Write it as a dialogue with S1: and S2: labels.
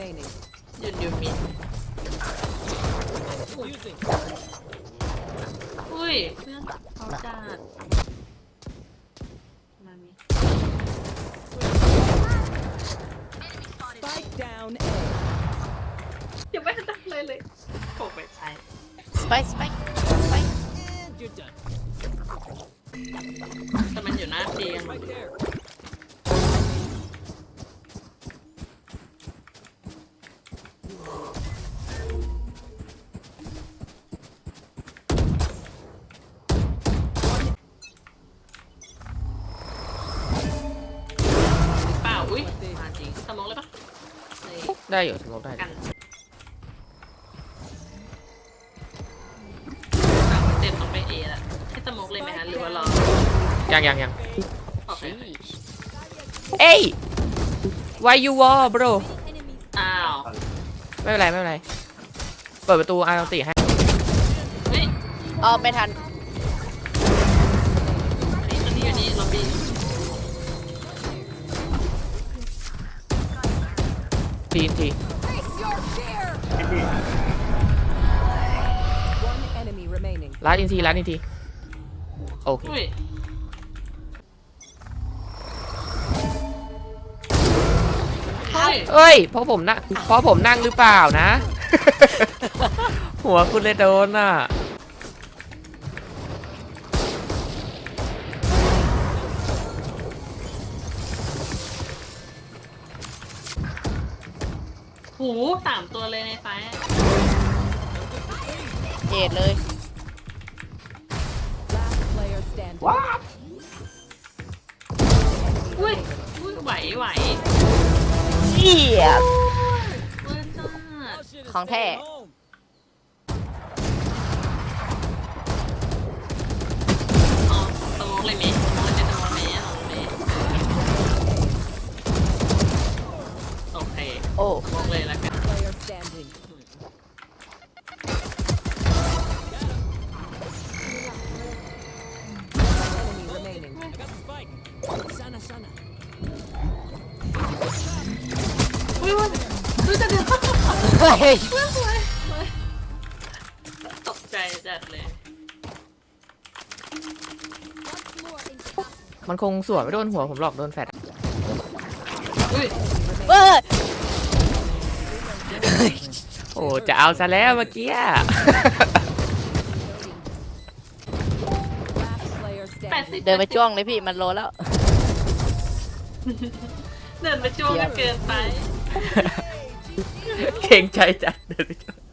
S1: remaining.
S2: ยืนมิดอุ้ยเพื่อนเขาจัดมามี
S1: Spike down A.
S2: ยังไม่ทันได้เลยโผล่ไปใช้
S3: Spike.
S1: And you're done.
S2: แต่มันอยู่หน้าเตียง
S1: Right there.
S2: เปล่าอุ้ยมาจริงสมองเลยปะนี่
S4: ได้อยู่สมมติได้
S2: กันเต็มต้องไปเอละให้สมองเลยไหมฮะหรือว่ารอ
S4: ยัง
S2: โอเค
S4: เอ้ย why you war bro
S2: อ้าว
S4: ไม่เป็นไรเปิดประตูอาร์ตีให้
S2: เฮ้ย
S3: อ๋อไม่ทัน
S2: อันนี้ล็อบบี้
S4: ที
S1: One enemy remaining.
S4: ร้านอินทีโอเค
S2: อุ้ยเฮ้ย
S4: เอ้ยเพราะผมนั่งหรือเปล่านะ หัวคุณเลยโดนอ่ะ
S2: หู3 ตัวเลยในไฟ
S3: เจ็ดเลย
S1: Last player standing.
S2: อุ้ยไหว
S3: เจี๊ยบ
S2: เว้ยจ้า
S3: ของแท้
S2: อ๋อสมองเลยไหมสมองเลยโอเค
S3: โอ้
S2: สมองเลยแล้วกัน
S1: Player standing. Enemy remaining. I got the spike. Sana.
S2: อุ้ยจะเดือด
S3: เฮ้ย
S2: ตกใจจัดเลย
S4: มันคงสวนไม่โดนหัวผมหรอกโดนแฟด
S2: อุ้ย
S3: เอ้ย
S4: โอ้จะเอาซะแล้วเมื่อกี้
S1: Last player standing.
S3: เดินไปจ้วงเลยพี่มันโลแล้ว
S2: เดินไปจ้วงกันเกินไป
S4: เก่งใจจัดเดินไปจ้วง